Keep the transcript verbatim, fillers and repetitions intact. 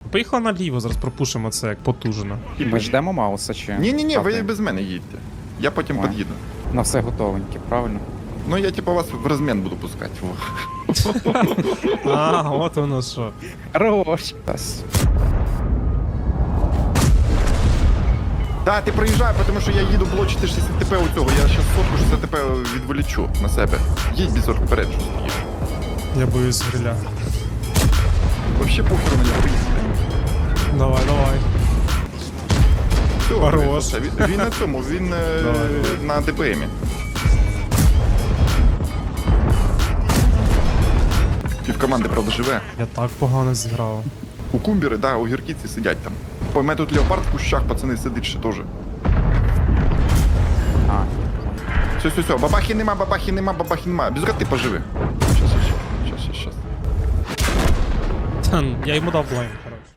Поїхали наліво, зараз пропушимо це як потужно. Ми ждемо Мауса чи? Ні-ні-ні, ви Правда? без мене їдьте. Я потім Ой. під'їду. На все готовеньке, правильно? Ну я типу вас в розмін буду пускати. Во. А, от воно що. Хорош. Тас. Так, ти проїжджай, тому що я їду блочити шістдесят ТП у цього. Я зараз сотку шістдесят ТП відволічу на себе. Їдь бізор вперед, що стоїш. Я боюсь гриля. Вообще похеру на нього поїхати. Давай, давай. Все, Хорош. все, Він, він на цьому, він е, Давай, давай. на ДПМі. Пів команди, правда, живе. Я так погано зіграв. У кумбіри, да, у гіркіці сидять там. Ой, у мене тут леопард в кущах, пацани, сидить ще теж. А, Все, все, все, бабахи нема, бабахи нема, бабахи нема. Без ти поживи. Щас, щас, щас, щас, щас. Та, я йому дав блайнд.